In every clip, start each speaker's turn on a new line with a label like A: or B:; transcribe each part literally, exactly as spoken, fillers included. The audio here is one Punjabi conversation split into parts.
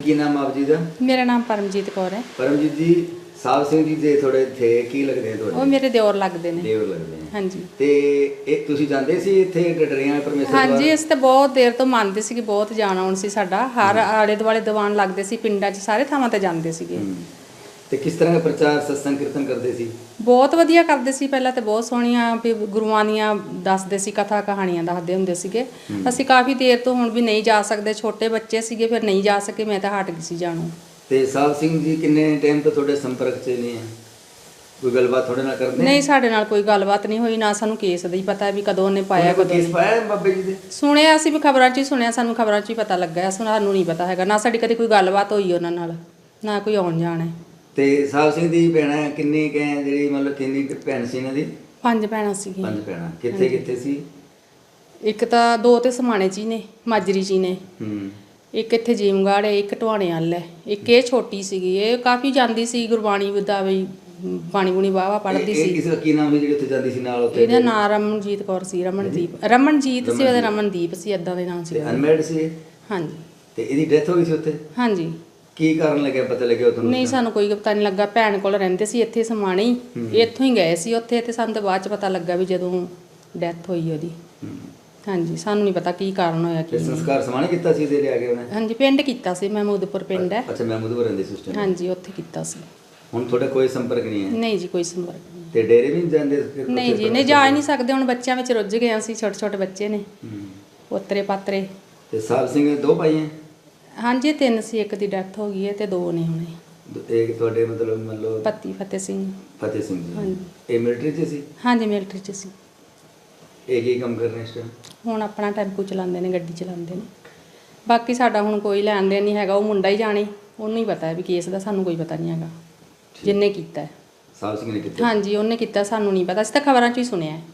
A: ਕੀ ਨਾਮ ਆਪ ਜੀ ਦਾ?
B: ਮੇਰਾ ਨਾਮ ਪਰਮਜੀਤ ਕੌਰ ਹੈ।
A: ਪਰਮਜੀਤ ਜੀ, ਸਾਹਿਬ ਸਿੰਘ ਜੀ ਦੇ ਥੋੜੇ ਥੇ ਕੀ ਲੱਗਦੇ ਆ ਤੁਹਾਡੇ?
B: ਉਹ ਮੇਰੇ ਦਿਓਰ ਲੱਗਦੇ ਨੇ।
A: ਦਿਓਰ ਲੱਗਦੇ ਆ।
B: ਹਾਂਜੀ।
A: ਤੇ ਇਹ ਤੁਸੀਂ ਜਾਂਦੇ ਸੀ ਇੱਥੇ ਡਡਰੀਆਂ ਪਰਮੇਸ਼ਰ ਦਰਬਾਰ?
B: ਹਾਂਜੀ, ਅਸੀਂ ਤਾਂ ਬਹੁਤ ਦੇਰ ਤੋਂ ਮੰਨਦੇ ਸੀ ਕਿ ਬਹੁਤ ਜਾਣ ਆਉਣ ਸੀ ਸਾਡਾ। ਹਰ ਆਲੇ ਦੁਆਲੇ ਦੀਵਾਨ ਲੱਗਦੇ ਸੀ, ਪਿੰਡਾਂ 'ਚ ਸਾਰੇ ਥਾਵਾਂ ਤੇ ਜਾਂਦੇ ਸੀਗੇ।
A: ਤੇ ਕਿਸ ਤਰ੍ਹਾਂ ਦਾ ਪ੍ਰਚਾਰ ਸਤਸੰਗ ਕੀਰਤਨ ਕਰਦੇ ਸੀ?
B: ਬਹੁਤ ਵਧੀਆ ਕਰਦੇ ਸੀ। ਪਹਿਲਾਂ ਤੇ ਬਹੁਤ ਸੋਹਣੀਆਂ ਵੀ ਗੁਰੂਆਂ ਦੀਆਂ ਦੱਸਦੇ ਸੀ, ਕਥਾ ਕਹਾਣੀਆਂ ਦੱਸਦੇ ਹੁੰਦੇ ਸੀਗੇ। ਅਸੀਂ ਕਾਫੀ ਦੇਰ ਤੋਂ ਹੁਣ ਵੀ ਨਹੀਂ ਜਾ ਸਕਦੇ, ਛੋਟੇ ਬੱਚੇ ਸੀਗੇ, ਫਿਰ ਨਹੀਂ ਜਾ ਸਕੇ, ਮੈਂ ਤਾਂ ਹਟ ਗਈ ਸੀ ਜਾਣੋਂ।
A: ਤੇ ਸਾਹਿਬ ਸਿੰਘ ਜੀ ਕਿੰਨੇ ਟਾਈਮ ਤੋਂ ਤੁਹਾਡੇ ਸੰਪਰਕ 'ਚ ਨਹੀਂ ਹੈ? ਕੋਈ ਗੱਲਬਾਤ ਤੁਹਾਡੇ ਨਾਲ ਕਰਦੇ?
B: ਨਹੀਂ, ਸਾਡੇ ਨਾਲ ਕੋਈ ਗੱਲਬਾਤ ਨਹੀਂ ਹੋਈ, ਨਾ ਸਾਨੂੰ ਕੇਸ ਦਾ ਹੀ ਪਤਾ ਵੀ ਕਦੋਂ ਉਹਨੇ ਪਾਇਆ, ਕਦੋਂ
A: ਕੇਸ ਪਾਇਆ ਬਾਬੇ ਜੀ ਦੇ?
B: ਸੁਣਿਆ ਅਸੀਂ ਵੀ, ਖਬਰਾਂ 'ਚ ਹੀ ਸੁਣਿਆ, ਸਾਨੂੰ ਖਬਰਾਂ 'ਚ ਹੀ ਪਤਾ ਲੱਗਾ। ਸਾਨੂੰ ਨਹੀਂ ਪਤਾ ਹੈਗਾ, ਨਾ ਸਾਡੀ ਕਦੇ ਕੋਈ ਗੱਲਬਾਤ ਹੋਈ ਉਹਨਾਂ ਨਾਲ, ਨਾ ਕੋਈ ਆਉਣ ਜਾਣ ਹੈ।
A: ਤੇ ਸਾਹਿਬ ਸਿੰਘ ਦੀ ਭੈਣਾਂ ਕਿੰਨੀ ਕੁ ਹੈ ਜਿਹੜੀ ਮਤਲਬ ਕਿੰਨੀ ਕੁ ਭੈਣ ਸੀ ਇਹਨਾਂ ਦੀ?
B: ਪੰਜ ਭੈਣਾਂ ਸੀਗੀਆਂ।
A: ਪੰਜ ਭੈਣਾਂ। ਕਿੱਥੇ ਕਿੱਥੇ ਸੀ?
B: ਇੱਕ ਤਾਂ ਦੋ ਤੇ ਸਮਾਣੇ 'ਚ ਹੀ ਨੇ, ਮਾਜਰੀ 'ਚ ਹੀ ਨੇ।
A: ਹੂੰ।
B: ਇੱਕ ਇੱਥੇ ਜੀਮਗੜ੍ਹ ਹੈ, ਇੱਕ ਢਵਾਣੇ ਵੱਲ ਹੈ, ਇੱਕ ਇਹ ਛੋਟੀ ਸੀਗੀ। ਇਹ ਕਾਫੀ ਜਾਂਦੀ ਸੀ ਗੁਰਬਾਣੀ ਦਾ ਵੀ, ਬਾਣੀ ਬੁਣੀ ਵਾਹਵਾ ਪੜ੍ਹਦੀ ਸੀ।
A: ਕਿਸੇ ਦਾ ਕੀ ਨਾਮ ਸੀ ਜਿਹੜੀ ਉੱਥੇ ਜਾਂਦੀ ਸੀ ਨਾਲ? ਉੱਥੇ
B: ਇਹਦਾ ਨਾਮ ਰਮਨਜੀਤ ਕੌਰ ਸੀ। ਰਮਨਦੀਪ ਰਮਨਜੀਤ ਸੀ ਉਹਦਾ, ਰਮਨਦੀਪ ਸੀ, ਏਦਾਂ ਦੇ ਨਾਮ ਸੀ।
A: ਅਨਮੈਰਿਡ ਸੀ?
B: ਹਾਂਜੀ।
A: ਤੇ ਇਹਦੀ ਡੈਥ ਹੋ ਗਈ ਸੀ ਉੱਥੇ?
B: ਹਾਂਜੀ।
A: ਕੀ ਕਾਰਨ ਲੱਗਿਆ, ਪਤਾ ਲੱਗਿਆ ਤੁਹਾਨੂੰ?
B: ਨਹੀਂ, ਸਾਨੂੰ ਕੋਈ ਪਤਾ ਨਹੀਂ ਲੱਗਾ। ਭੈਣ ਕੋਲ ਰਹਿੰਦੇ ਸੀ ਇੱਥੇ ਸਮਾਣੇ ਹੀ, ਇੱਥੋਂ ਹੀ ਗਏ ਸੀ ਉੱਥੇ, ਤੇ ਸਾਨੂੰ ਤਾਂ ਬਾਅਦ 'ਚ ਪਤਾ ਲੱਗਾ ਵੀ ਜਦੋਂ ਡੈਥ ਹੋਈ ਉਹਦੀ। ਹਾਂਜੀ, ਸਾਨੂੰ ਨਹੀਂ ਪਤਾ ਕੀ ਕਾਰਨ ਹੋਇਆ।
A: ਤੇ ਸੰਸਕਾਰ ਸਮਾਣੇ ਕੀਤਾ ਸੀ ਇਹਦੇ ਲਿਆ ਕੇ ਉਹਨੇ?
B: ਹਾਂਜੀ, ਪਿੰਡ ਕੀਤਾ ਸੀ, ਮਹਿਮੂਦਪੁਰ ਪਿੰਡ ਹੈ।
A: ਅੱਛਾ, ਮਹਿਮੂਦਪੁਰ ਰਹਿੰਦੇ ਸੀ ਉਸ ਟਾਈਮ?
B: ਹਾਂਜੀ, ਉੱਥੇ ਕੀਤਾ ਸੀ।
A: ਹੁਣ ਤੁਹਾਡਾ ਕੋਈ ਸੰਪਰਕ ਨਹੀਂ ਹੈ?
B: ਨਹੀਂ ਜੀ, ਕੋਈ ਸੰਪਰਕ ਨਹੀਂ।
A: ਤੇ ਡੇਰੇ ਵੀ ਨਹੀਂ ਜਾਂਦੇ?
B: ਨਹੀਂ ਜੀ, ਨਹੀਂ ਜਾ ਹੀ ਨਹੀਂ ਸਕਦੇ, ਹੁਣ ਬੱਚਿਆਂ ਵਿੱਚ ਰੁੱਝ ਗਏ ਅਸੀਂ, ਛੋਟੇ ਛੋਟੇ ਬੱਚੇ ਨੇ, ਪੋਤਰੇ ਪਾਤਰੇ।
A: ਤੇ ਸਾਹਿਬ ਸਿੰਘ ਦੋ ਭਾਈ ਹੈ?
B: ਹਾਂਜੀ, ਤਿੰਨ ਸੀ, ਇੱਕ ਦੀ ਡੈਥ ਹੋ ਗਈ ਹੈ ਤੇ ਦੋ ਨੇ ਹੁਣੇ।
A: ਇੱਕ ਤੁਹਾਡੇ ਮਤਲਬ ਮੰਨ ਲਓ
B: ਪਤੀ ਫਤਿਹ ਸਿੰਘ।
A: ਫਤਿਹ ਸਿੰਘ ਜੀ।
B: ਹਾਂਜੀ।
A: ਇਹ ਮਿਲਟਰੀ 'ਚ ਸੀ?
B: ਹਾਂਜੀ, ਮਿਲਟਰੀ 'ਚ ਸੀ।
A: ਇਹ ਕੀ ਕੰਮ ਕਰ ਰਹੇ ਇਸ ਟਾਈਮ?
B: ਹੁਣ ਆਪਣਾ ਟੈਂਪੂ ਚਲਾਉਂਦੇ ਨੇ, ਗੱਡੀ ਚਲਾਉਂਦੇ ਨੇ। ਬਾਕੀ ਸਾਡਾ ਹੁਣ ਕੋਈ ਲੈਣ ਦੇਣ ਨਹੀਂ ਹੈਗਾ, ਉਹ ਮੁੰਡਾ ਹੀ ਜਾਣੇ, ਉਹਨੂੰ ਹੀ ਪਤਾ ਹੈ ਵੀ ਕੇਸ ਦਾ, ਸਾਨੂੰ ਕੋਈ ਪਤਾ ਨਹੀਂ ਹੈਗਾ ਜਿੰਨੇ ਕੀਤਾ ਹੈ।
A: ਸਾਹਿਬ ਸਿੰਘ ਨੇ ਕੀਤਾ?
B: ਹਾਂਜੀ, ਉਹਨੇ ਕੀਤਾ, ਸਾਨੂੰ ਨਹੀਂ ਪਤਾ, ਅਸੀਂ ਤਾਂ ਖਬਰਾਂ 'ਚ ਹੀ ਸੁਣਿਆ ਹੈ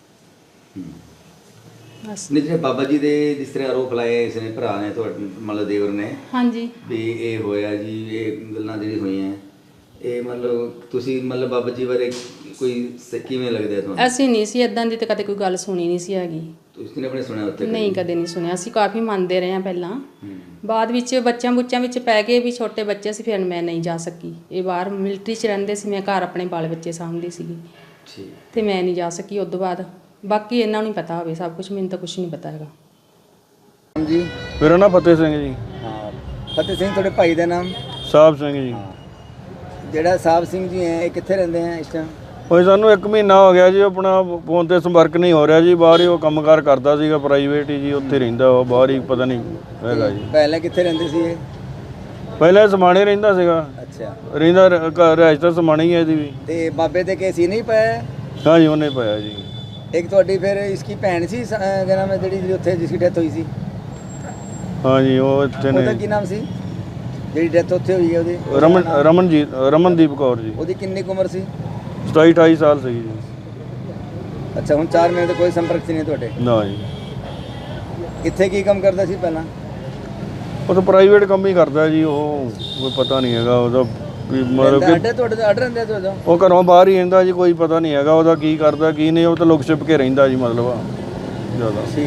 B: ਬਸ।
A: ਨਹੀਂ, ਜਿਹੜੇ ਬਾਬਾ ਜੀ ਦੇ ਜਿਸ ਤਰ੍ਹਾਂ ਆਰੋਪ ਲਾਏ ਇਸ ਨੇ ਭਰਾ ਨੇ ਤੁਹਾਡੇ ਮਤਲਬ ਦੇਵਰ ਨੇ,
B: ਹਾਂਜੀ,
A: ਵੀ ਇਹ ਹੋਇਆ ਜੀ, ਇਹ ਗੱਲਾਂ ਜਿਹੜੀ ਹੋਈਆਂ, ਇਹ ਮਤਲਬ ਤੁਸੀਂ ਮਤਲਬ ਬਾਬਾ ਜੀ ਬਾਰੇ ਕੋਈ ਸ- ਕਿਵੇਂ ਲੱਗਦਾ ਤੁਹਾਨੂੰ?
B: ਅਸੀਂ ਨਹੀਂ ਸੀ ਇਦਾਂ ਦੀ, ਤੇ ਕਦੇ ਕੋਈ ਗੱਲ ਸੁਣੀ ਨਹੀਂ ਸੀ ਹੈਗੀ।
A: ਤੁਸੀਂ ਨੇ ਆਪਣੇ ਸੁਣਿਆ ਉੱਥੇ?
B: ਨਹੀਂ, ਕਦੇ ਨਹੀਂ ਸੁਣਿਆ। ਅਸੀਂ ਕਾਫੀ ਮੰਨਦੇ ਰਹੇ ਹਾਂ ਪਹਿਲਾਂ, ਬਾਅਦ ਵਿੱਚ ਬੱਚਿਆਂ ਬੁੱਚਿਆਂ ਵਿੱਚ ਪੈ ਗਏ ਵੀ, ਛੋਟੇ ਬੱਚੇ ਸੀ, ਫਿਰ ਮੈਂ ਨਹੀਂ ਜਾ ਸਕੀ। ਇਹ ਬਾਹਰ ਮਿਲਟਰੀ 'ਚ ਰਹਿੰਦੇ ਸੀ, ਮੈਂ ਘਰ ਆਪਣੇ ਬਾਲ ਬੱਚੇ ਸਾਂਭਦੀ ਸੀਗੀ, ਤੇ ਮੈਂ ਨਹੀਂ ਜਾ ਸਕੀ ਉਸ ਤੋਂ ਬਾਅਦ। ਬਾਕੀ ਇਹਨਾਂ ਨੂੰ ਪਤਾ ਹੋਵੇ ਸਭ ਕੁਝ, ਮੈਨੂੰ ਤਾਂ ਕੁਝ ਨਹੀਂ ਪਤਾ ਹੈਗਾ।
A: ਜੀ,
C: ਮੇਰਾ ਨਾਮ ਫਤਿਹ ਸਿੰਘ ਜੀ।
A: ਹਾਂ, ਫਤਿਹ ਸਿੰਘ ਤੁਹਾਡੇ ਭਾਈ ਦਾ ਨਾਮ?
C: ਸਾਹਿਬ ਸਿੰਘ ਜੀ।
A: ਜਿਹੜਾ ਸਾਹਿਬ ਸਿੰਘ ਜੀ ਹੈ, ਇਹ ਕਿੱਥੇ ਰਹਿੰਦੇ ਆ ਇਸ ਟਾਈਮ?
C: ਹੋਏ ਸਾਨੂੰ ਇੱਕ ਮਹੀਨਾ ਹੋ ਗਿਆ ਜੀ, ਆਪਣਾ ਫੋਨ ਤੇ ਸੰਪਰਕ ਨਹੀਂ ਹੋ ਰਿਹਾ ਜੀ। ਬਾਹਰ ਹੀ ਉਹ ਕੰਮਕਾਰ ਕਰਦਾ ਸੀਗਾ, ਪ੍ਰਾਈਵੇਟ ਹੀ ਜੀ, ਉੱਥੇ ਰਹਿੰਦਾ ਉਹ, ਬਾਹਰ ਹੀ ਪਤਾ ਨਹੀਂ ਹੈਗਾ ਜੀ।
A: ਪਹਿਲਾਂ ਕਿੱਥੇ ਰਹਿੰਦੇ ਸੀ ਇਹ?
C: ਪਹਿਲਾਂ ਸਮਾਣੇ ਰਹਿੰਦਾ ਸੀਗਾ।
A: ਅੱਛਾ।
C: ਰਹਿੰਦਾ ਰਿਹਾਇਸ਼ ਤਾਂ ਸਮਾਣੇ ਹੀ ਹੈ ਇਹਦੀ ਵੀ।
A: ਤੇ ਬਾਬੇ ਦੇ ਕੇਸ ਹੀ ਨਹੀਂ ਪਾਇਆ?
C: ਹਾਂ ਜੀ, ਉਹਨੇ ਪਾਇਆ ਜੀ।
A: ਇੱਕ ਤੁਹਾਡੀ ਫਿਰ ਇਸकी ਭੈਣ ਸੀ, ਕਿਆ ਨਾਮ ਹੈ ਜਿਹੜੀ ਉੱਥੇ ਜਿਸकी ਡੈਥ ਹੋਈ ਸੀ?
C: ਹਾਂ ਜੀ, ਉਹ ਇੱਥੇ
A: ਉਹਦਾ
C: ਨੇ।
A: ਕੀ ਨਾਮ ਸੀ ਜਿਹੜੀ ਡੈਥ ਉੱਥੇ ਹੋਈ ਹੈ ਉਹਦੀ?
C: ਰਮਨ ਰਮਨਜੀਤ ਰਮਨਦੀਪ ਕੌਰ ਜੀ।
A: ਉਹਦੀ ਕਿੰਨੀ ਕੁ ਉਮਰ ਸੀ?
C: ਸਤਾਈ ਅਠਾਈ ਸਾਲ ਸੀਗੀ ਜੀ।
A: ਅੱਛਾ, ਹੁਣ ਚਾਰ ਮਹੀਨੇ ਤੋਂ ਕੋਈ ਸੰਪਰਕ 'ਚ ਨਹੀਂ ਤੁਹਾਡੇ?
C: ਨਾ ਜੀ।
A: ਇੱਥੇ ਕੀ ਕੰਮ ਕਰਦਾ ਸੀ ਪਹਿਲਾਂ?
C: ਉਹ ਤਾਂ ਪ੍ਰਾਈਵੇਟ ਕੰਮ ਹੀ ਕਰਦਾ ਜੀ, ਉਹ ਕੋਈ ਪਤਾ ਨਹੀਂ ਹੈਗਾ ਉਹਦਾ ਵੀ, ਮਤਲਬ ਕਿ
A: ਅੱਡੇ ਤੁਹਾਡੇ ਦਾ ਅੱਡ ਰਹਿੰਦਾ ਤੁਹਾਡਾ?
C: ਉਹ ਘਰੋਂ ਬਾਹਰ ਹੀ ਰਹਿੰਦਾ ਜੀ, ਕੋਈ ਪਤਾ ਨਹੀਂ ਹੈਗਾ ਉਹਦਾ ਕੀ ਕਰਦਾ ਕੀ ਨਹੀਂ, ਉਹ ਤਾਂ ਲੁਕ ਛਿਪ ਕੇ ਰਹਿੰਦਾ ਜੀ, ਮਤਲਬ ਜ਼ਿਆਦਾ।